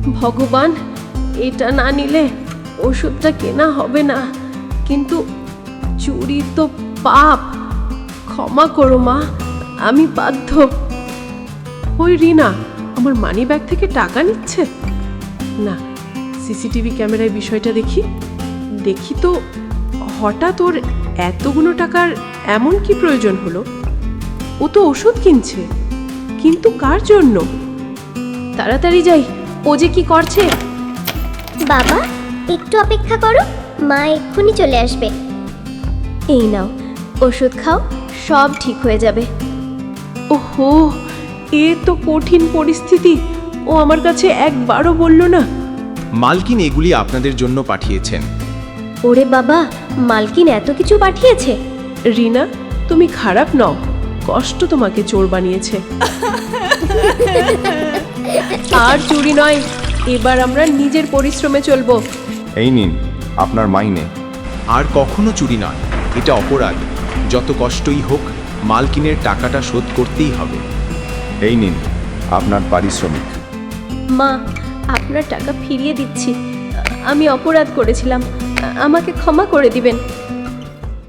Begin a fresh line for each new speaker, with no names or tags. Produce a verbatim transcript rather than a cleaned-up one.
ভগবান, এটা না নিলে ওষুধটা কেনা হবে না। কিন্তু চুরি তো পাপ। ক্ষমা করো মা, আমি বাধ্য। ওই রিনা আমার মানি ব্যাগ থেকে টাকা নিচ্ছে না। সিসিটিভি ক্যামেরায় বিষয়টা দেখি দেখি তো হঠাৎ ওর এতগুলো টাকার এমন কি প্রয়োজন হলো? ও তো ওষুধ কিনছে, কিন্তু কার জন্য? তাড়াতাড়ি যাই, ও যে কি করছে।
বাবা, একটু অপেক্ষা করো, মা এক্ষুনি চলে আসবে। এই নাও, ওষুধ খাও, সব ঠিক হয়ে যাবে।
ওহো, এ তো কঠিন পরিস্থিতি। ও আমার কাছে একবারও বলল না।
মালকিন এগুলি আপনাদের জন্য পাঠিয়েছেন।
ওরে বাবা, মালকিন এত কিছু পাঠিয়েছে?
রিনা, তুমি খারাপ নও, কষ্ট তোমাকে চোর বানিয়েছে। আর চুরি নয়, এবার আমরা নিজের পরিশ্রমে চলবো।
এই নিন আপনার মাইনে।
আর কখনো চুরি নয়, এটা অপরাধ। যত কষ্টই হোক, মালকিনের টাকাটা শোধ করতেই হবে।
এই নিন আপনার পারিশ্রমিক।
মা, আপনার টাকা ফিরিয়ে দিচ্ছি। আমি অপরাধ করেছিলাম, আমাকে ক্ষমা করে দিবেন।